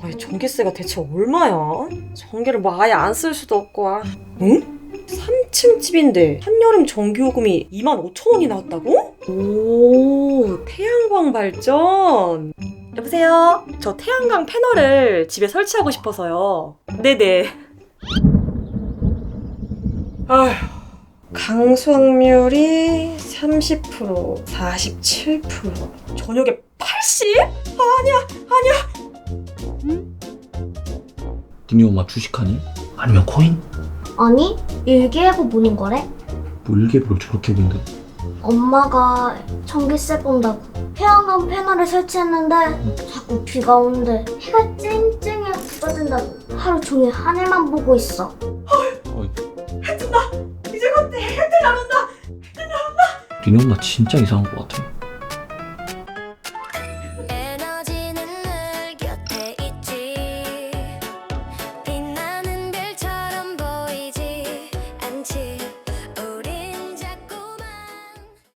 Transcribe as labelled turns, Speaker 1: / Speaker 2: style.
Speaker 1: 아니 전기세가 대체 얼마야? 전기를 뭐 아예 안 쓸 수도 없고. 응? 3층 집인데 한여름 전기요금이 25,000원이 나왔다고? 오, 태양광 발전. 여보세요? 저 태양광 패널을 집에 설치하고 싶어서요. 네네. 아휴, 강수확률이 30%, 47%. 저녁에 80? 아니야.
Speaker 2: 니네 엄마 주식하니? 아니면 코인?
Speaker 3: 아니, 일기예보 보는 거래?
Speaker 2: 뭐 일기예보를 저렇게 본데?
Speaker 3: 엄마가 전기세 본다고 태양광 패널을 설치했는데 자꾸 비가 오는데 해가 쨍쨍해 부서진다고 하루 종일 하늘만 보고 있어.
Speaker 2: 어이,
Speaker 1: 이제 곧 해뜰 나온다.
Speaker 2: 니네 엄마 진짜 이상한 것 같아.